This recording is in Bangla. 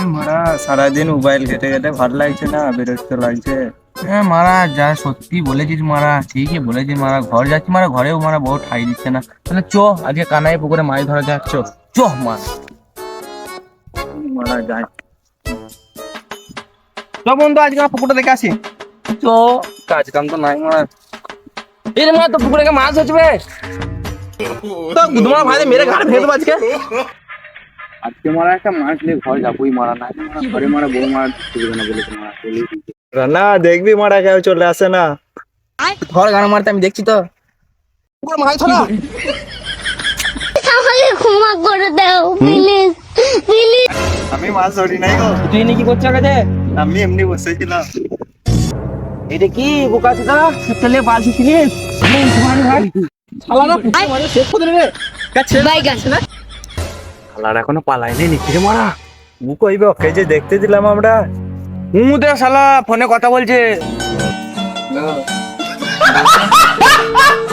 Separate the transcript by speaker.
Speaker 1: মারা সারাদিন মোবাইল ঘেটে ঘেটে ভালো লাগছে না, বিরক্ত লাগছে।
Speaker 2: হ্যাঁ মারা, যা সত্যি বলেছিস মারা, ঠিকই বলেছিস মারা। ঘর যাচ্ছি মারা, ঘরেও মারা বউ ঠাই দিচ্ছে না। তাহলে চ আজকে কানাই পুকুরে মাছ ধরা যাক, চ চ মারা।
Speaker 1: মারা যায়।
Speaker 2: চ বন্ধু, আজকে আমার পুকুরটা দেখে আসি।
Speaker 1: তো কাজ কাম তো নাই মারা।
Speaker 2: এই রে মারা, তো পুকুরে মাছ হচ্ছে তো তোমার ভাই মেরে ঘাড়ে ভেঙে দেবো আজকে।
Speaker 1: আজকে মারা একটা মাছ নিয়ে ঘর যাবোই মারা, না ঘরে মারা বউ মারা ঢুকবে না বলেছে মারা। রান্না দেখবি মারা কেউ চলে আসে না।
Speaker 2: ধর গান মারতে, আমি দেখছি তো পুকুরে মাছ ধরা।
Speaker 3: আমাকে ক্ষমা করে দাও প্লিজ প্লিজ।
Speaker 1: আমি মাছ ধরি নাই গো,
Speaker 2: তুই এনে কি করছিস আগে?
Speaker 1: আমি এমনি বসেছিলাম।
Speaker 2: এটা কি বোকা চোদা, তেলে বালছি কিনিস ভাই শালারা পুকুরে মাছ শেষ করে দেবে।
Speaker 3: বাইগান
Speaker 1: শালার এখনো পালাইনি নিচে মারা। ও কইবে ওকে যে দেখতে দিলাম আমরা।
Speaker 2: দে শালা ফোনে কথা বলছে।